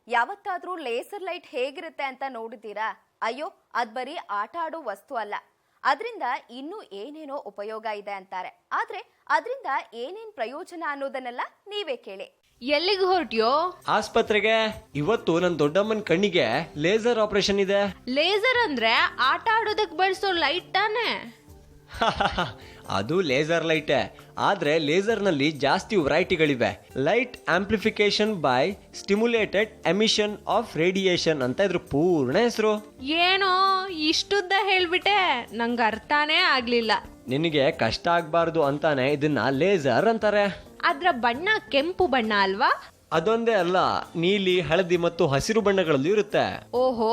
ಯಾವತ್ತಾದ್ರೂ laser light ಹೇಗಿರುತ್ತೆ ಅಂತ ನೋಡಿದ್ದೀರಾ? ಅಯ್ಯೋ, ಅದ್ ಬರೀ ಆಟ ಆಡೋ ವಸ್ತು ಅಲ್ಲ. ಅದರಿಂದ ಇನ್ನೂ ಏನೇನೋ ಉಪಯೋಗ ಇದೆ ಅಂತಾರೆ. ಆದ್ರೆ ಅದರಿಂದ ಏನೇನ್ ಪ್ರಯೋಜನ ಅನ್ನೋದನ್ನೆಲ್ಲ ನೀವೇ ಕೇಳಿ. ಎಲ್ಲಿಗೆ ಹೊರಟ್ಯೋ? ಆಸ್ಪತ್ರೆಗೆ. ಇವತ್ತು ನನ್ನ ದೊಡ್ಡಮ್ಮನ ಕಣ್ಣಿಗೆ ಲೇಸರ್ ಆಪರೇಷನ್ ಇದೆ. ಲೇಸರ್ ಅಂದ್ರೆ ಆಟ ಆಡೋದಕ್ಕೆ ಬಳಸೋ ಲೈಟ್ ತಾನೆ? ಅದು ಲೇಸರ್ ಲೈಟೇ, ಆದ್ರೆ ಲೇಸರ್ ನಲ್ಲಿ ಜಾಸ್ತಿ ವೆರೈಟಿಗಳಿವೆ. Light amplification by stimulated emission of radiation ಅಂತ ಇದ್ರ ಪೂರ್ಣ ಹೆಸರು. ಏನೋ ಇಷ್ಟುದ್ದ ಹೇಳ್ಬಿಟ್ಟೆ, ನಂಗೆ ಅರ್ಥನೇ ಆಗ್ಲಿಲ್ಲ. ನಿನಗೆ ಕಷ್ಟ ಆಗ್ಬಾರ್ದು ಅಂತಾನೆ ಇದನ್ನ ಲೇಸರ್ ಅಂತಾರೆ. ಅದ್ರ ಬಣ್ಣ ಕೆಂಪು ಬಣ್ಣ ಅಲ್ವಾ? ಅದೊಂದೇ ಅಲ್ಲ, ನೀಲಿ, ಹಳದಿ ಮತ್ತು ಹಸಿರು ಬಣ್ಣಗಳಲ್ಲಿ ಇರುತ್ತೆ. ಓಹೋ,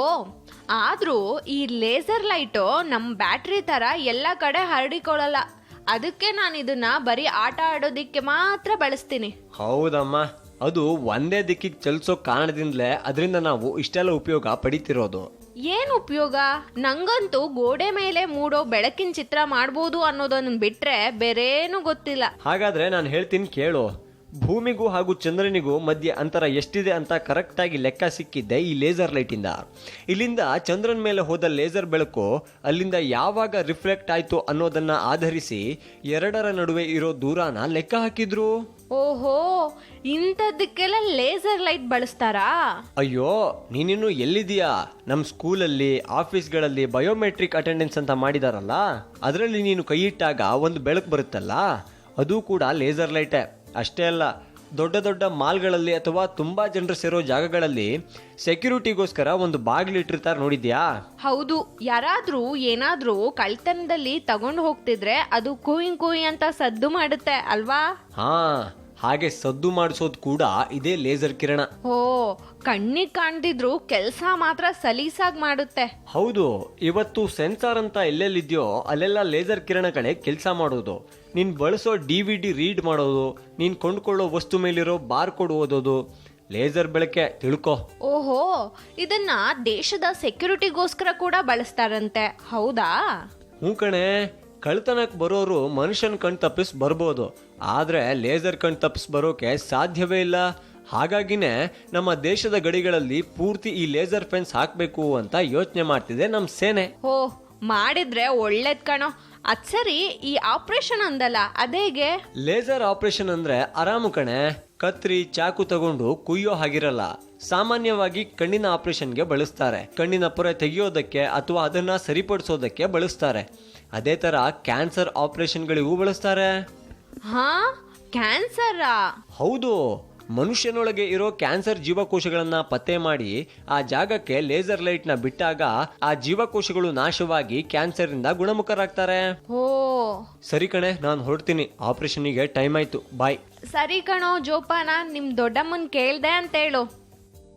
ಆದ್ರೂ ಈ ಲೇಸರ್ ಲೈಟು ನಮ್ ಬ್ಯಾಟ್ರಿ ತರ ಎಲ್ಲ ಕಡೆ ಹರಡಿಕೊಳ್ಳಲ್ಲ. ಅದಕ್ಕೆ ನಾನು ಇದನ್ನ ಬರೀ ಆಟ ಆಡೋದಿಕ್ಕೆ ಮಾತ್ರ ಬಳಸ್ತೀನಿ. ಹೌದಮ್ಮ, ಅದು ಒಂದೇ ದಿಕ್ಕಿಗೆ ಚಲಿಸೋ ಕಾರಣದಿಂದಲೇ ಅದರಿಂದ ನಾವು ಇಷ್ಟೆಲ್ಲ ಉಪಯೋಗ ಪಡಿತಿರೋದು. ಏನ್ ಉಪಯೋಗ? ನಂಗಂತೂ ಗೋಡೆ ಮೇಲೆ ಮೂಡೋ ಬೆಳಕಿನ ಚಿತ್ರ ಮಾಡ್ಬೋದು ಅನ್ನೋದನ್ನ ಬಿಟ್ರೆ ಬೇರೇನು ಗೊತ್ತಿಲ್ಲ. ಹಾಗಾದ್ರೆ ನಾನು ಹೇಳ್ತೀನಿ ಕೇಳು. ಭೂಮಿಗೂ ಹಾಗೂ ಚಂದ್ರನಿಗೂ ಮಧ್ಯೆ ಅಂತರ ಎಷ್ಟಿದೆ ಅಂತ ಕರೆಕ್ಟ್ ಆಗಿ ಲೆಕ್ಕ ಸಿಕ್ಕಿದ್ದೆ ಈ ಲೇಸರ್ ಲೈಟ್ ಇಂದ. ಇಲ್ಲಿಂದ ಚಂದ್ರನ ಮೇಲೆ ಹೋದ ಲೇಸರ್ ಬೆಳಕು ಅಲ್ಲಿಂದ ಯಾವಾಗ ರಿಫ್ಲೆಕ್ಟ್ ಆಯ್ತು ಅನ್ನೋದನ್ನ ಆಧರಿಸಿ ಎರಡರ ನಡುವೆ ಇರೋ ದೂರನ ಲೆಕ್ಕ ಹಾಕಿದ್ರು. ಓಹೋ, ಇಂಥದ್ದಕ್ಕೆಲ್ಲ ಲೇಸರ್ ಲೈಟ್ ಬಳಸ್ತಾರಾ? ಅಯ್ಯೋ, ನೀನಿನ್ನು ಎಲ್ಲಿದೀಯಾ? ನಮ್ ಸ್ಕೂಲಲ್ಲಿ, ಆಫೀಸ್ಗಳಲ್ಲಿ ಬಯೋಮೆಟ್ರಿಕ್ ಅಟೆಂಡೆನ್ಸ್ ಅಂತ ಮಾಡಿದಾರಲ್ಲ, ಅದರಲ್ಲಿ ನೀನು ಕೈ ಇಟ್ಟಾಗ ಒಂದು ಬೆಳಕು ಬರುತ್ತಲ್ಲ, ಅದು ಕೂಡ ಲೇಸರ್ ಲೈಟೇ. ಅಷ್ಟೇ ಅಲ್ಲ, ದೊಡ್ಡ ದೊಡ್ಡ ಮಾಲ್ಗಳಲ್ಲಿ ಅಥವಾ ತುಂಬಾ ಜನರು ಸೇರೋ ಜಾಗಗಳಲ್ಲಿ ಸೆಕ್ಯೂರಿಟಿಗೋಸ್ಕರ ಒಂದು ಬಾಗಿಲಿಟ್ಟಿರ್ತಾರೆ, ನೋಡಿದ್ಯಾ? ಹೌದು, ಯಾರಾದ್ರೂ ಏನಾದ್ರೂ ಕಳ್ತನದಲ್ಲಿ ತಗೊಂಡು ಹೋಗ್ತಿದ್ರೆ ಅದು ಕೂಯ್ ಅಂತ ಸದ್ದು ಮಾಡುತ್ತೆ ಅಲ್ವಾ? ಹಾ, ಹಾಗೆ ಸದ್ದು ಮಾಡಿಸೋದು ಕೂಡ ಇದೇ ಲೇಸರ್ ಕಿರಣ. ಓ, ಕಣ್ಣಿಗೆ ಕಾಣ್ತಿದ್ರು ಕೆಲಸ ಮಾತ್ರ ಸಲೀಸಾಗಿ ಮಾಡುತ್ತೆ. ಹೌದು, ಇವತ್ತು ಸೆನ್ಸಾರ್ ಅಂತ ಎಲ್ಲೆಲ್ಲಿದ್ಯೋ ಅಲ್ಲೆಲ್ಲ ಲೇಸರ್ ಕಿರಣಗಳೇ ಕೆಲಸ ಮಾಡೋದು. ನೀನ್ ಬಳಸೋ DVD ರೀಡ್ ಮಾಡೋದು, ನೀನ್ ಕೊಂಡ್ಕೊಳ್ಳೋ ವಸ್ತು ಮೇಲಿರೋ ಬಾರ್ ಕೋಡ್ ಓದೋದು ಲೇಸರ್ ಬೆಳಕೆ, ತಿಳ್ಕೊ. ಓಹೋ, ಇದನ್ನ ದೇಶದ ಸೆಕ್ಯೂರಿಟಿಗೋಸ್ಕರ ಕೂಡ ಬಳಸ್ತಾರಂತೆ, ಹೌದಾ? ಹ್ಞೂ ಕಣೆ, ಕಳ್ತನಕ್ಕೆ ಬರೋರು ಮನುಷ್ಯನ ಕಣ್ ತಪ್ಪಿಸ್ ಬರ್ಬೋದು, ಆದ್ರೆ ಲೇಸರ್ ಕಣ್ ತಪ್ಪಿಸ್ ಬರೋಕೆ ಸಾಧ್ಯವೇ ಇಲ್ಲ. ಹಾಗಾಗಿನೇ ನಮ್ಮ ದೇಶದ ಗಡಿಗಳಲ್ಲಿ ಪೂರ್ತಿ ಈ ಲೇಸರ್ ಫೆನ್ಸ್ ಹಾಕ್ಬೇಕು ಅಂತ ಯೋಚನೆ ಮಾಡ್ತಿದೆ ನಮ್ ಸೇನೆ. ಓ, ಮಾಡಿದ್ರೆ ಒಳ್ಳೇದ್ ಕಣೋ. ಅದ್ ಸರಿ, ಈ ಆಪರೇಷನ್ ಅಂದಲ್ಲ, ಅದೇಗೆ? ಲೇಸರ್ ಆಪರೇಷನ್ ಅಂದ್ರೆ ಆರಾಮು ಕಣೆ. ಕತ್ರಿ, ಚಾಕು ತಗೊಂಡು ಕುಯ್ಯೋ ಹಾಗಿರಲ್ಲ. ಸಾಮಾನ್ಯವಾಗಿ ಕಣ್ಣಿನ ಆಪರೇಷನ್ಗೆ ಬಳಸ್ತಾರೆ. ಕಣ್ಣಿನ ಪೊರೆ ತೆಗೆಯೋದಕ್ಕೆ ಅಥವಾ ಅದನ್ನ ಸರಿಪಡಿಸೋದಕ್ಕೆ ಬಳಸ್ತಾರೆ. ಅದೇ ತರ ಕ್ಯಾನ್ಸರ್ ಆಪರೇಷನ್ಗಳಿಗೂ ಬಳಸ್ತಾರೆ. ಹಾ, ಕ್ಯಾನ್ಸರಾ? ಹೌದು, ಮನುಷ್ಯನೊಳಗೆ ಇರೋ ಕ್ಯಾನ್ಸರ್ ಜೀವಕೋಶಗಳನ್ನ ಪತ್ತೆ ಮಾಡಿ ಆ ಜಾಗಕ್ಕೆ ಲೇಸರ್ ಲೈಟ್ ನ ಬಿಟ್ಟಾಗ ಆ ಜೀವಕೋಶಗಳು ನಾಶವಾಗಿ ಕ್ಯಾನ್ಸರ್ ಇಂದ ಗುಣಮುಖರಾಗ್ತಾರೆ. ಓ ಸರಿ ಕಣೆ, ನಾನು ಹೊರಡ್ತೀನಿ, ಆಪರೇಷನ್ಗೆ ಟೈಮ್ ಆಯ್ತು, ಬಾಯ್. ಸರಿ ಕಣೋ ಜೋಪಾನ, ನಿಮ್ ದೊಡ್ಡಮ್ಮನ್ ಕೇಳ್ದೆ ಅಂತ ಹೇಳು.